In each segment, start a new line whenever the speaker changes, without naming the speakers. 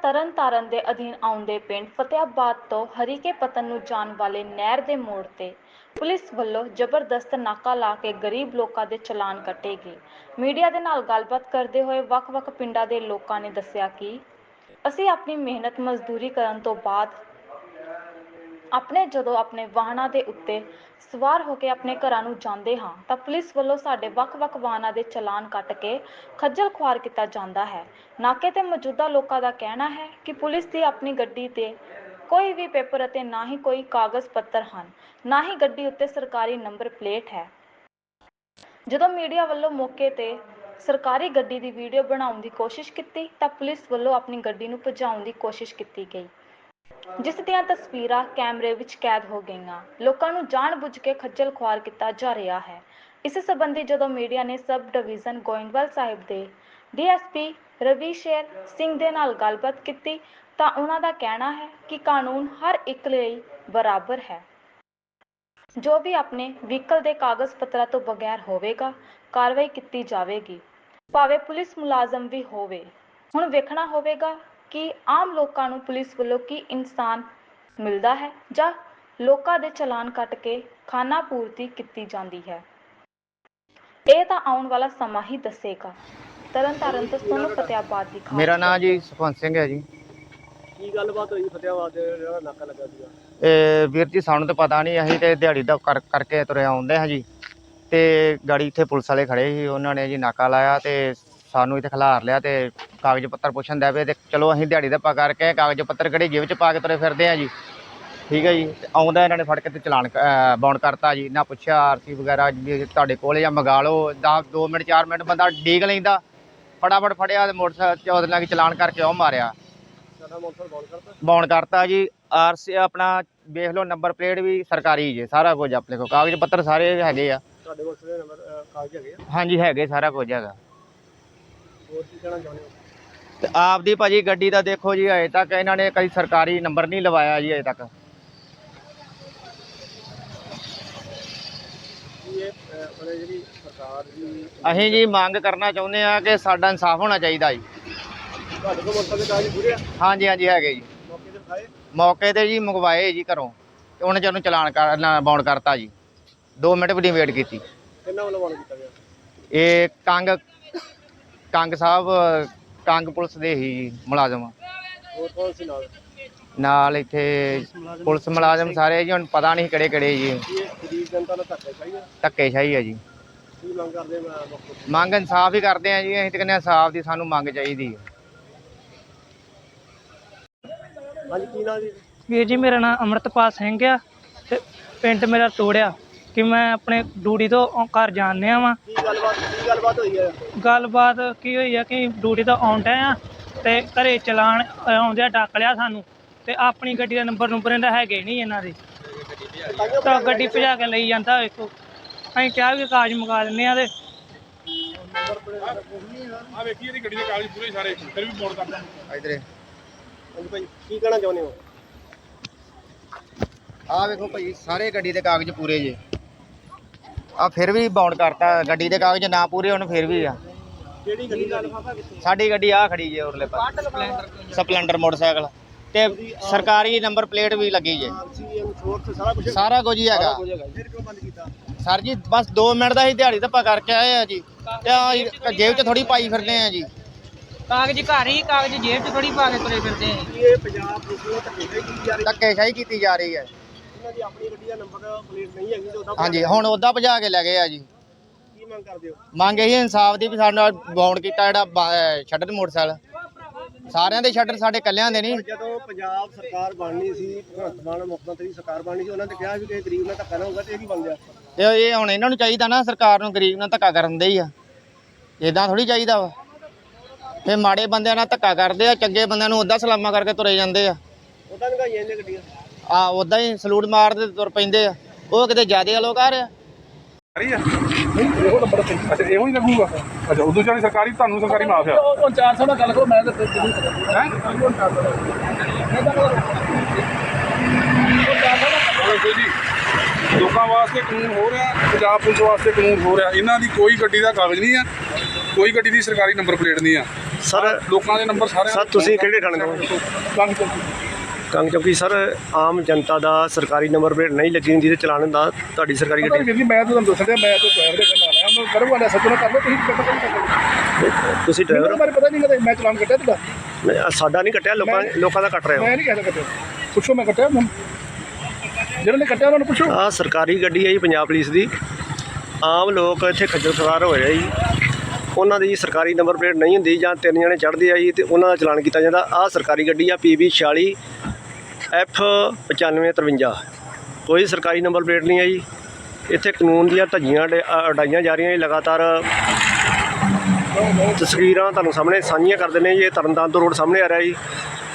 ਤਰਨਤਾਰਨ ਦੇ ਅਧੀਨ ਆਉਂਦੇ ਪਿੰਡ ਫਤਿਆਬਾਦ ਤੋਂ ਹਰੀਕੇ ਪਤਨ ਨੂੰ ਜਾਣ ਵਾਲੇ ਨਹਿਰ ਦੇ ਮੋੜ ਤੇ ਪੁਲਿਸ ਵੱਲੋਂ ਜ਼ਬਰਦਸਤ ਨਾਕਾ ਲਾ ਕੇ ਗਰੀਬ ਲੋਕਾਂ ਦੇ ਚਲਾਨ ਕੱਟੇ ਗਏ। ਮੀਡੀਆ ਦੇ ਨਾਲ ਗੱਲਬਾਤ ਕਰਦੇ ਹੋਏ ਵੱਖ-ਵੱਖ ਪਿੰਡਾਂ ਦੇ ਲੋਕਾਂ ਨੇ ਦੱਸਿਆ ਕਿ ਅਸੀਂ ਆਪਣੀ ਮਿਹਨਤ ਮਜ਼ਦੂਰੀ ਕਰਨ ਤੋਂ ਬਾਅਦ ਜਦੋਂ ਆਪਣੇ ਵਾਹਨਾਂ ਦੇ ਉੱਤੇ ਸਵਾਰ ਹੋ ਕੇ ਆਪਣੇ ਘਰਾਂ ਨੂੰ ਜਾਂਦੇ ਹਾਂ ਤਾਂ ਪੁਲਿਸ ਵੱਲੋਂ ਸਾਡੇ ਵੱਖ-ਵੱਖ ਵਾਹਨਾਂ ਦੇ ਚਲਾਨ ਕੱਟ ਕੇ ਖੱਜਲ ਖੁਆਰ ਕੀਤਾ ਜਾਂਦਾ ਹੈ। ਨਾਕੇ ਤੇ ਮੌਜੂਦਾ ਲੋਕਾਂ ਦਾ ਕਹਿਣਾ ਹੈ ਕਿ ਪੁਲਿਸ ਦੀ ਆਪਣੀ ਗੱਡੀ ਤੇ ਕੋਈ ਵੀ ਪੇਪਰ ਅਤੇ ਨਾ ਹੀ ਕੋਈ ਕਾਗਜ਼ ਪੱਤਰ ਹਨ, ਨਾ ਹੀ ਗੱਡੀ ਉੱਤੇ ਸਰਕਾਰੀ ਨੰਬਰ ਪਲੇਟ ਹੈ। ਜਦੋਂ ਮੀਡੀਆ ਵੱਲੋਂ ਮੌਕੇ ਤੇ ਸਰਕਾਰੀ ਗੱਡੀ ਦੀ ਵੀਡੀਓ ਬਣਾਉਣ ਦੀ ਕੋਸ਼ਿਸ਼ ਕੀਤੀ ਤਾਂ ਪੁਲਿਸ ਵੱਲੋਂ ਆਪਣੀ ਗੱਡੀ ਨੂੰ ਭਜਾਉਣ ਦੀ ਕੋਸ਼ਿਸ਼ ਕੀਤੀ ਗਈ, ਜਿਸ ਦੀਆਂ ਤਸਵੀਰਾਂ ਕੈਮਰੇ ਵਿੱਚ ਕੈਦ ਹੋ ਗਈਆਂ। ਲੋਕਾਂ ਨੂੰ ਜਾਣ-ਬੁੱਝ ਕੇ ਖੱਜਲ ਖੁਆਰ ਕੀਤਾ ਜਾ ਰਿਹਾ ਹੈ। ਇਸ ਸੰਬੰਧੀ ਜਦੋਂ ਮੀਡੀਆ ਨੇ ਸਬ ਡਿਵੀਜ਼ਨ ਗੋਇੰਦਵਾਲ ਸਾਹਿਬ ਦੇ ਡੀਐਸਪੀ ਰਵੀਸ਼ੇਰ ਸਿੰਘ ਦੇ ਨਾਲ ਗੱਲਬਾਤ ਕੀਤੀ ਤਾਂ ਉਹਨਾਂ ਦਾ ਕਹਿਣਾ ਹੈ ਕਿ ਕਾਨੂੰਨ ਹਰ ਇੱਕ ਲਈ ਬਰਾਬਰ ਹੈ। ਜੋ ਵੀ ਆਪਣੇ ਵਹੀਕਲ ਦੇ ਕਾਗਜ਼ ਪੱਤਰਾਂ ਤੋਂ ਬਗੈਰ ਹੋਵੇਗਾ, ਕਾਰਵਾਈ ਕੀਤੀ ਜਾਵੇਗੀ, ਭਾਵੇਂ ਪੁਲਿਸ ਮੁਲਾਜ਼ਮ ਵੀ ਹੋਵੇ। ਹੁਣ ਵੇਖਣਾ ਹੋਵੇਗਾ ਕਿ ਆਮ ਲੋਕਾਂ ਨੂੰ ਪੁਲਿਸ ਵੱਲੋਂ ਕੀ ਇਨਸਾਨ ਮਿਲਦਾ ਹੈ ਜਾਂ ਲੋਕਾਂ ਦੇ ਚਲਾਨ ਕੱਟ ਕੇ ਖਾਨਾ ਪੂਰਤੀ ਕੀਤੀ ਜਾਂਦੀ ਹੈ। ਇਹ ਤਾਂ ਆਉਣ ਵਾਲਾ ਸਮਾਂ ਹੀ ਦੱਸੇਗਾ। ਤਰਨਤਾਰਨ ਤੋਂ ਸੋਨੂੰ ਫਤਿਆਬਾਦ ਦੀ ਖਾਸ।
ਮੇਰਾ ਨਾਮ ਜੀ ਸੁਖਵੰਤ ਸਿੰਘ ਹੈ ਜੀ।
ਕੀ ਗੱਲਬਾਤ ਹੋਈ ਫਤਿਆਬਾਦ ਜਿਹੜਾ ਨਾਕਾ ਲੱਗਾ ਸੀਗਾ?
ਵੀਰ ਜੀ ਸਾਨੂੰ ਤਾਂ ਪਤਾ ਨਹੀਂ, ਅਸੀਂ ਤੇ ਦਿਹਾੜੀ ਦਾ ਕਰਕੇ ਤੁਰੇ ਆਉਂਦੇ ਹਾਂ ਜੀ। ਤੇ ਗਾੜੀ ਇੱਥੇ ਪੁਲਿਸ ਵਾਲੇ ਖੜੇ ਸੀ, ਉਹਨਾਂ ਨੇ ਜੀ ਨਾਕਾ ਲਾਇਆ ਤੇ ਸਾਨੂੰ ਇੱਥੇ ਖਿਲਾਰ ਲਿਆ ਤੇ ਕਾਗਜ਼ ਪੱਤਰ ਪੁੱਛਣ ਦੇ ਪਏ। ਤੇ ਚਲੋ ਅਸੀਂ ਦਿਹਾੜੀ ਦਾ ਕਰਕੇ ਕਾਗਜ਼ ਪੱਤਰ ਕਿਹੜੇ ਜੇਬ 'ਚ ਪਾ ਕੇ ਤੁਰੇ ਫਿਰਦੇ ਹਾਂ ਜੀ। ਠੀਕ ਹੈ ਜੀ। ਤੇ ਆਉਂਦਾ ਇਹਨਾਂ ਨੇ ਫੜ ਕੇ ਤੇ ਚਲਾਨ ਬਾਉਂਡ ਕਰਤਾ ਜੀ। ਨਾ ਪੁੱਛਿਆ ਆਰਸੀ ਵਗੈਰਾ ਵੀ ਤੁਹਾਡੇ ਕੋਲ ਜਾਂ ਮੰਗਾ ਲਓ। 2 ਮਿੰਟ 4 ਮਿੰਟ ਬੰਦਾ ਡੀਕ ਲੈਂਦਾ, ਫਟਾਫਟ ਫੜਿਆ ਤੇ ਮੋਟਰਸਾਈਕਲ ਉਹਦੇ ਨਾਲ ਚਲਾਨ ਕਰਕੇ ਉਹ ਮਾਰਿਆ। ਬਾਉਂਡ ਕਰਤਾ ਜੀ। ਆਰਸੀ ਆਪਣਾ ਵੇਖ ਲਓ, ਨੰਬਰ ਪਲੇਟ ਵੀ ਸਰਕਾਰੀ ਜੇ, ਸਾਰਾ ਕੁਝ ਆਪਣੇ ਕੋਲ ਕਾਗਜ਼ ਪੱਤਰ ਸਾਰੇ ਹੈਗੇ ਆ।
ਤੁਹਾਡੇ ਕੋਲ ਸਾਰੇ ਨੰਬਰ ਕਾਗਜ਼ ਹੈਗੇ ਆ? ਹਾਂਜੀ
ਹੈਗੇ, ਸਾਰਾ ਕੁਝ ਹੈਗਾ।
ਹੋਰ ਕੀ ਕਹਿਣਾ ਚਾਹੁੰਦੇ ਹੋ?
ਤੇ ਆਪਦੀ ਭਾਜੀ ਗੱਡੀ ਦਾ ਦੇਖੋ ਜੀ, ਅਜੇ ਤੱਕ ਇਹਨਾਂ ਨੇ ਕਦੀ ਸਰਕਾਰੀ ਨੰਬਰ ਨਹੀਂ ਲਵਾਇਆ ਜੀ ਅਜੇ ਤੱਕ।
ਜਿਹੜੀ ਸਰਕਾਰ ਦੀ
ਅਸੀਂ ਜੀ ਮੰਗ ਕਰਨਾ ਚਾਹੁੰਦੇ ਆ ਕਿ ਸਾਡਾ ਇਨਸਾਫ ਹੋਣਾ ਚਾਹੀਦਾ ਜੀ।
ਤੁਹਾਡੇ ਕੋਲ ਮੋਟਰ ਦੇ ਕਾਗਜ਼ ਪੂਰੇ ਆ?
ਹਾਂਜੀ ਹੈਗੇ ਜੀ।
ਮੌਕੇ ਤੇ ਦਿਖਾਏ?
ਮੌਕੇ ਤੇ ਜੀ ਮੰਗਵਾਏ ਜੀ ਘਰੋਂ, ਤੇ ਉਹਨੇ ਜਦੋਂ ਚਲਾਨ ਬਾਉਂਡ ਕਰਤਾ ਜੀ। 2 ਮਿੰਟ ਵੀ ਨਹੀਂ ਵੇਟ ਕੀਤੀ।
ਕਿੰਨਾ ਵੱਲੋਂ ਬਾਉਂਡ ਕੀਤਾ ਗਿਆ?
ਇਹ ਕੰਗ ਸਾਹਿਬ, ਕੰਗ ਪੁਲਿਸ ਦੇ ਹੀ ਜੀ ਮੁਲਾਜ਼ਮ।
ਹੋਰ ਕੌਣ ਸੀ
ਨਾਲ ਇੱਥੇ ਪੁਲਿਸ ਮੁਲਾਜ਼ਮ ਸਾਰੇ ਜੀ। ਹੁਣ ਪਤਾ ਨਹੀਂ ਕਿਹੜੇ ਜੀ।
ਗਰੀਬ ਜਨਤਾ ਨਾਲ ਧੱਕੇਸ਼ਾਹੀ ਆ?
ਧੱਕੇਸ਼ਾਹੀ ਹੈ ਜੀ।
ਕੀ ਮੰਗ ਕਰਦੇ?
ਮੰਗ ਇਨਸਾਫ ਹੀ ਕਰਦੇ ਆ ਜੀ। ਅਸੀਂ ਤਾਂ ਕਹਿੰਦੇ ਇਨਸਾਫ ਦੀ ਸਾਨੂੰ ਮੰਗ ਚਾਹੀਦੀ ਹੈ।
ਹਾਂਜੀ, ਕੀ ਨਾਮ ਜੀ?
ਵੀਰ ਜੀ, ਮੇਰਾ ਨਾਮ ਅੰਮ੍ਰਿਤਪਾਲ ਸਿੰਘ ਆ ਤੇ ਪਿੰਡ ਮੇਰਾ ਤੋੜਿਆ ਕਿ ਮੈਂ ਆਪਣੇ ਡਿਊਟੀ ਤੋਂ ਘਰ ਜਾਣ ਡਿਆ ਵਾਂ।
ਕੀ ਗੱਲਬਾਤ ਹੋਈ ਹੈ?
ਗੱਲਬਾਤ ਕੀ ਹੋਈ ਆ ਕਿ ਡਿਊਟੀ ਤੋਂ ਆਉਣ ਡਿਆ ਆ ਤੇ ਘਰੇ ਚਲਾਨ ਆਉਂਦਿਆਂ ਡੱਕ ਲਿਆ ਸਾਨੂੰ। ਤੇ ਆਪਣੀ ਗੱਡੀ ਦਾ ਨੰਬਰ ਇਹਦਾ ਹੈਗੇ ਨਹੀਂ ਇਹਨਾਂ ਦੇ, ਤਾਂ ਗੱਡੀ ਭਜਾ ਕੇ ਲਈ ਜਾਂਦਾ। ਵੇਖੋ, ਅਸੀਂ ਕਿਹਾ ਵੀ ਕਾਗਜ਼ ਮੰਗਾ ਦਿੰਦੇ ਆ। ਤੇ
ਆ ਵੇਖੀ ਇਹਦੀ ਗੱਡੀ ਦੇ ਕਾਗਜ਼ ਪੂਰੇ ਸਾਰੇ, ਫਿਰ ਵੀ ਮੋੜ ਕਰਦਾ
ਇਧਰੇ।
ਹਾਂਜੀ ਭਾਈ, ਕੀ ਕਹਿਣਾ ਚਾਹੁੰਦੇ ਹੋ?
ਆਹ ਵੇਖੋ ਭਾਈ, ਸਾਰੇ ਗੱਡੀ ਦੇ ਕਾਗਜ਼ ਪੂਰੇ ਜੇ। ਆ ਫਿਰ ਵੀ ਬਾਉਂਡ ਕਰਤਾ। ਗੱਡੀ ਦੇ ਕਾਗਜ਼ ਨਾ ਪੂਰੇ ਹੋਣ ਫਿਰ ਵੀ ਆ।
ਕਿਹੜੀ ਗੱਡੀ ਦਾ?
ਸਾਡੀ ਗੱਡੀ ਆ ਖੜੀ ਜੇ ਉਰਲੇ ਪਾਸੇ, ਸਪਲੈਂਡਰ ਮੋਟਰਸਾਈਕਲ ਤੇ ਸਰਕਾਰੀ ਨੰਬਰ ਪਲੇਟ ਵੀ ਲੱਗੀ ਜੇ। ਸਾਰਾ ਕੁਝ ਹੀ ਹੈਗਾ।
ਫਿਰ ਕਿਉਂ ਬੰਦ ਕੀਤਾ
ਸਰ ਜੀ? ਬਸ 2 ਮਿੰਟ ਦਾ ਹੀ ਦਿਹਾੜੀ ਧੱਪਾ ਕਰਕੇ ਆਏ ਆ ਜੀ। ਤੇ ਜੇਬ 'ਚ ਥੋੜੀ ਪਾਈ ਫਿਰਦੇ ਆ ਜੀ।
ਕਾਗਜ਼ ਘਰ ਹੀ, ਕਾਗਜ਼ ਜੇਬ 'ਚ ਥੋੜੀ ਪਾ ਕੇ ਤੁਰੇ ਫਿਰਦੇ ਆ।
ਇਹ ਪੰਜਾਬ ਪੁਲਿਸ ਨੂੰ
ਧੱਕੇਸ਼ਾਹੀ ਕੀਤੀ ਜਾ ਰਹੀ ਹੈ।
ਇਹਨਾਂ ਦੀ ਆਪਣੀ ਗੱਡੀ ਦਾ ਨੰਬਰ ਪਲੇਟ ਨਹੀਂ ਹੈਗੀ ਤੇ ਉਹਦਾ
ਹਾਂਜੀ, ਹੁਣ ਉਹਦਾ ਭਜਾ ਕੇ ਲੈ ਗਏ ਆ ਜੀ।
ਕੀ ਮੰਗ ਕਰਦੇ ਹੋ?
ਮੰਗ ਇਹੀ ਇਨਸਾਫ ਦੀ ਵੀ ਸਾਡੇ ਨਾਲ ਬਾਉਂਡ ਕੀਤਾ ਜਿਹੜਾ ਸ਼ਟਰ ਮੋਟਰਸਾਈਕਲ। ਸਾਰਿਆਂ ਦੇ ਸ਼ਟਰ, ਸਾਡੇ ਇਕੱਲਿਆਂ ਦੇ ਨਹੀਂ।
ਜਦੋਂ ਪੰਜਾਬ ਸਰਕਾਰ ਬਣਨੀ ਸੀ, ਭਗਵੰਤ ਮਾਨ ਮੁੱਖ ਮੰਤਰੀ ਸਰਕਾਰ ਬਣਨੀ ਸੀ, ਉਹਨਾਂ ਨੇ ਕਿਹਾ ਵੀ ਕਿ ਗਰੀਬ ਨਾਲ ਧੱਕਾ ਨਾ ਹੋਊਗਾ। ਤੇ ਇਹ ਕੀ ਬਣ ਗਿਆ?
ਤੇ ਇਹ ਹੁਣ ਇਹਨਾਂ ਨੂੰ ਚਾਹੀਦਾ ਨਾ, ਸਰਕਾਰ ਨੂੰ ਗਰੀਬ ਨਾਲ ਧੱਕਾ ਕਰਨ ਦੇ ਹੀ ਆ। ਇਦਾਂ ਥੋੜੀ ਚਾਹੀਦਾ ਵਾ। ਤੇ ਮਾੜੇ ਬੰਦਿਆਂ ਨਾਲ ਧੱਕਾ ਕਰਦੇ ਆ, ਚੰਗੇ ਬੰਦਿਆਂ ਨੂੰ ਉੱਦਾਂ ਸਲਾਮਾਂ ਕਰਕੇ ਤੁਰੇ ਜਾਂਦੇ ਆ।
ਉਹਦਾ ਨਿਗਾਈਆਂ ਜਾਂਦੀਆਂ ਗੱਡੀਆਂ।
ਉੱਦਾਂ ਹੀ ਸਲੂਟ ਮਾਰਦੇ ਤੁਰ ਪੈਂਦੇ ਆ। ਉਹ ਕਿਤੇ ਜ਼ਿਆਦੇ ਲੋਕ ਆ ਰਿਹਾ।
ਇਹੋ ਨੰਬਰ ਤੇ ਅੱਛਾ, ਇਹੋ ਹੀ ਲੱਗੂਗਾ। ਅੱਛਾ, ਉਦੋਂ ਚਾਹੀ ਸਰਕਾਰੀ, ਤੁਹਾਨੂੰ ਸਰਕਾਰੀ ਮਾਫ ਆ।
ਉਹ 400 ਨਾਲ ਗੱਲ ਕਰੋ, ਮੈਂ ਤਾਂ
ਜੀ ਲੋਕਾਂ ਵਾਸਤੇ ਕਾਨੂੰਨ ਹੋ ਰਿਹਾ, ਪੰਜਾਬ ਪੁਲਿਸ ਵਾਸਤੇ ਕਾਨੂੰਨ ਹੋ ਰਿਹਾ। ਇਹਨਾਂ ਦੀ ਕੋਈ ਗੱਡੀ ਦਾ ਕਾਗਜ਼ ਨਹੀਂ ਆ, ਕੋਈ ਗੱਡੀ ਦੀ ਸਰਕਾਰੀ ਨੰਬਰ ਪਲੇਟ ਨਹੀਂ ਆ।
ਸਰ
ਲੋਕਾਂ ਦੇ ਨੰਬਰ ਸਾਰੇ
ਸਰ ਤੁਸੀਂ ਕਿਹੜੇ ਥਾਣੇ ਤੋਂ? ਕੰਗ ਚੌਕੀ ਸਰ, ਆਮ ਜਨਤਾ ਦਾ ਸਰਕਾਰੀ ਨੰਬਰ ਪਲੇਟ ਨਹੀਂ ਲੱਗੀ ਹੁੰਦੀ ਤੇ ਚਲਾਨ ਹੁੰਦਾ ਤੁਹਾਡੀ ਸਰਕਾਰੀ ਗੱਡੀ।
ਵੀਰ ਜੀ ਮੈਂ ਤੁਹਾਨੂੰ ਦੱਸ ਰਿਹਾ, ਮੈਂ ਤਾਂ ਡਰਾਈਵਰ ਦੇ ਨਾਲ ਆਇਆ, ਮੈਂ ਕਰੂੰਗਾ ਨਾ ਸੱਜਣਾ ਕਰ ਲਓ, ਤੁਸੀਂ ਕੱਟੋ ਕਰ ਲਓ।
ਤੁਸੀਂ ਡਰਾਈਵਰ?
ਮੈਨੂੰ ਪਤਾ ਨਹੀਂ ਕਦੇ ਮੈਂ ਚਲਾਨ ਕੱਟਿਆ ਤੁਹਾਡਾ?
ਸਾਡਾ ਨਹੀਂ ਕੱਟਿਆ, ਲੋਕਾਂ ਦਾ ਕੱਟ ਰਹੇ ਹੋ।
ਮੈਂ ਨਹੀਂ ਕਹਿੰਦਾ ਕੱਟਿਆ, ਪੁੱਛੋ ਮੈਂ ਕੱਟਿਆ ਜਿਹਨਾਂ ਨੇ ਕੱਟਿਆ ਉਹਨਾਂ ਨੂੰ ਪੁੱਛੋ।
ਆਹ ਸਰਕਾਰੀ ਗੱਡੀ ਹੈ ਜੀ ਪੰਜਾਬ ਪੁਲਿਸ ਦੀ। ਆਮ ਲੋਕ ਇੱਥੇ ਖੱਜਲ ਖੁਆਰ ਹੋ ਰਹੇ ਜੀ, ਉਹਨਾਂ ਦੀ ਸਰਕਾਰੀ ਨੰਬਰ ਪਲੇਟ ਨਹੀਂ ਹੁੰਦੀ ਜਾਂ 3 ਜਣੇ ਚੜ੍ਹਦੇ ਆ ਜੀ ਤੇ ਉਹਨਾਂ ਦਾ ਚਲਾਨ ਕੀਤਾ ਜਾਂਦਾ। ਆਹ ਸਰਕਾਰੀ ਗੱਡੀ ਆ PB 46 F 9553, ਕੋਈ ਸਰਕਾਰੀ ਨੰਬਰ ਪਲੇਟ ਨਹੀਂ ਹੈ ਜੀ। ਇੱਥੇ ਕਾਨੂੰਨ ਦੀਆਂ ਧੱਜੀਆਂ ਉਡਾਈਆਂ ਜਾ ਰਹੀਆਂ ਜੀ ਲਗਾਤਾਰ। ਤਸਵੀਰਾਂ ਤੁਹਾਨੂੰ ਸਾਹਮਣੇ ਸਾਂਝੀਆਂ ਕਰ ਦਿੰਦੇ ਜੀ। ਇਹ ਤਰਨਤਾਰਨ ਤੋਂ ਰੋਡ ਸਾਹਮਣੇ ਆ ਰਿਹਾ ਜੀ।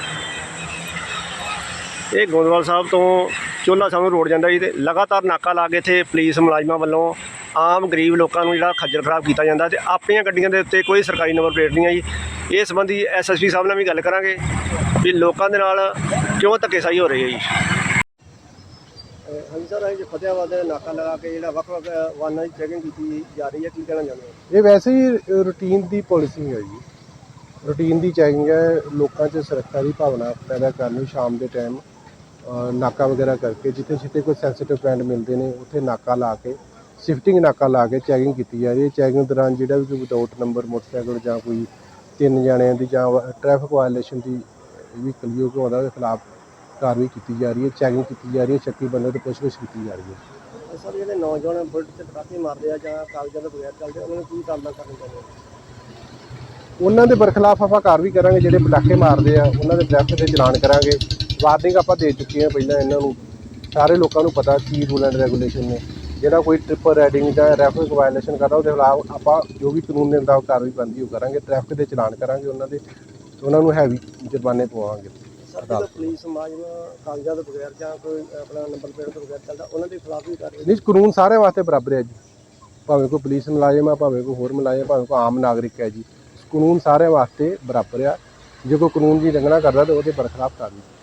ਇਹ ਗੋਂਦਵਾਲ ਸਾਹਿਬ ਤੋਂ ਚੋਲਾ ਸਾਹਿਬ ਨੂੰ ਰੋਡ ਜਾਂਦਾ ਜੀ ਤੇ ਲਗਾਤਾਰ ਨਾਕਾ ਲਾ ਕੇ ਇੱਥੇ ਪੁਲਿਸ ਮੁਲਾਜ਼ਮਾਂ ਵੱਲੋਂ ਆਮ ਗਰੀਬ ਲੋਕਾਂ ਨੂੰ ਜਿਹੜਾ ਖੱਜਲ ਖਰਾਬ ਕੀਤਾ ਜਾਂਦਾ ਤੇ ਆਪਣੀਆਂ ਗੱਡੀਆਂ ਦੇ ਉੱਤੇ ਕੋਈ ਸਰਕਾਰੀ ਨੰਬਰ ਪਲੇਟ ਨਹੀਂ ਹੈ ਜੀ। ਇਸ ਸੰਬੰਧੀ SSP ਸਾਹਿਬ ਨਾਲ ਵੀ ਗੱਲ ਕਰਾਂਗੇ ਵੀ ਲੋਕਾਂ ਦੇ ਨਾਲ ਕਿਉਂ ਧੱਕੇਸ਼ਾਹੀ ਹੋ ਰਹੀ ਹੈ ਜੀ। ਹਾਂਜੀ ਸਰ, ਇਹ ਫਤਿਆਬਾਦ ਨਾਕਾ ਲਗਾ ਕੇ ਜਿਹੜਾ ਵੱਖ-ਵੱਖ ਵਾਹਨਾਂ ਦੀ ਚੈਕਿੰਗ ਕੀਤੀ ਜਾ ਰਹੀ ਹੈ, ਕੀ ਕਹਿਣਾ ਚਾਹੁੰਦੇ ਹੋ?
ਇਹ ਵੈਸੇ ਹੀ ਰੂਟੀਨ ਦੀ ਪਾਲਿਸੀ ਹੈ ਜੀ। ਰੂਟੀਨ ਦੀ ਚੈਕਿੰਗ ਹੈ, ਲੋਕਾਂ 'ਚ ਸੁਰੱਖਿਆ ਦੀ ਭਾਵਨਾ ਪੈਦਾ ਕਰਨੀ। ਸ਼ਾਮ ਦੇ ਟਾਈਮ ਨਾਕਾ ਵਗੈਰਾ ਕਰਕੇ ਜਿੱਥੇ ਕੋਈ ਸੈਂਸੀਟਿਵ ਪੁਆਇੰਟ ਮਿਲਦੇ ਨੇ ਉੱਥੇ ਨਾਕਾ ਲਾ ਕੇ, ਸ਼ਿਫਟਿੰਗ ਨਾਕਾ ਲਾ ਕੇ ਚੈਕਿੰਗ ਕੀਤੀ ਜਾ ਰਹੀ ਹੈ। ਚੈਕਿੰਗ ਦੌਰਾਨ ਜਿਹੜਾ ਵੀ ਕੋਈ ਵਿਦਆਊਟ ਨੰਬਰ ਮੋਟਰਸਾਈਕਲ ਜਾਂ ਕੋਈ 3 ਜਣਿਆਂ ਦੀ ਜਾਂ ਟ੍ਰੈਫਿਕ ਵਾਇਲੇਸ਼ਨ ਦੀ ਵਹੀਕਲ ਯੋਗ ਉਹਦੇ ਖਿਲਾਫ ਕਾਰਵਾਈ ਕੀਤੀ ਜਾ ਰਹੀ ਹੈ, ਚੈਕਿੰਗ ਕੀਤੀ ਜਾ ਰਹੀ ਹੈ, ਸ਼ੱਕੀ ਬੰਦੇ ਤੋਂ ਪੁੱਛਗਿੱਛ ਕੀਤੀ ਜਾ ਰਹੀ ਹੈ।
ਸਰ, ਜਿਹੜੇ ਨੌਜਵਾਨ ਬੁਲਟ 'ਤੇ ਪਟਾਕੇ ਮਾਰਦੇ ਆ ਜਾਂ ਕਾਗਜ਼ਾਂ ਤੋਂ ਬਗੈਰ ਚੱਲਦੇ, ਉਹਨਾਂ ਨੂੰ ਕੀ ਕਾਰਵਾਈ ਕਰਨੀ ਚਾਹੀਦੀ ਹੈ?
ਉਹਨਾਂ ਦੇ ਬਰਖਲਾਫ ਆਪਾਂ ਕਾਰਵਾਈ ਕਰਾਂਗੇ। ਜਿਹੜੇ ਪਟਾਕੇ ਮਾਰਦੇ ਆ ਉਹਨਾਂ ਦੇ ਟ੍ਰੈਫਿਕ ਦੇ ਚਲਾਨ ਕਰਾਂਗੇ। ਵਾਰਨਿੰਗ ਆਪਾਂ ਦੇ ਚੁੱਕੇ ਹਾਂ ਪਹਿਲਾਂ ਇਹਨਾਂ ਨੂੰ। ਸਾਰੇ ਲੋਕਾਂ ਨੂੰ ਪਤਾ ਕੀ ਰੂਲ ਐਂਡ ਰੈਗੂਲੇਸ਼ਨ ਨੇ। ਜਿਹੜਾ ਕੋਈ ਟ੍ਰਿਪਲ ਰਾਈਡਿੰਗ ਜਾਂ ਟ੍ਰੈਫਿਕ ਵਾਇਲੇਸ਼ਨ ਕਰਦਾ ਉਹਦੇ ਖਿਲਾਫ ਆਪਾਂ ਜੋ ਵੀ ਕਾਨੂੰਨ ਦੇ ਮੁਤਾਬਕ ਕਾਰਵਾਈ ਬਣਦੀ ਉਹ ਕਰਾਂਗੇ। ਟ੍ਰੈਫਿਕ ਦੇ ਚਲਾਨ ਕਰਾਂਗੇ, ਉਹਨਾਂ ਨੂੰ ਹੈਵੀ ਜੁਰਮਾਨੇ ਪਵਾਵਾਂਗੇ।
ਸਰ, ਜਦੋਂ ਪੁਲਿਸ ਮੁਲਾਜ਼ਮ ਕਾਗਜ਼ਾਂ ਤੋਂ ਬਗੈਰ ਜਾਂ ਕੋਈ ਆਪਣਾ ਨੰਬਰ ਪਲੇਟ ਤੋਂ ਬਗੈਰ ਚੱਲਦਾ, ਉਹਨਾਂ ਦੇ ਖਿਲਾਫ ਵੀ ਕਾਰਵਾਈ?
ਨਹੀਂ, ਕਾਨੂੰਨ ਸਾਰਿਆਂ ਵਾਸਤੇ ਬਰਾਬਰ ਹੈ ਜੀ। ਭਾਵੇਂ ਕੋਈ ਪੁਲਿਸ ਮੁਲਾਜ਼ਮ ਆ, ਭਾਵੇਂ ਕੋਈ ਹੋਰ ਮੁਲਾਜ਼ਮ, ਭਾਵੇਂ ਕੋਈ ਆਮ ਨਾਗਰਿਕ ਹੈ ਜੀ। ਕਾਨੂੰਨ ਸਾਰਿਆਂ ਵਾਸਤੇ ਬਰਾਬਰ ਆ। ਜੇ ਕੋਈ ਕਾਨੂੰਨ ਦੀ ਉਲੰਘਣਾ ਕਰਦਾ ਤਾਂ ਉਹਦੇ ਬਰਖਲਾਫ ਕਾਰਵਾਈ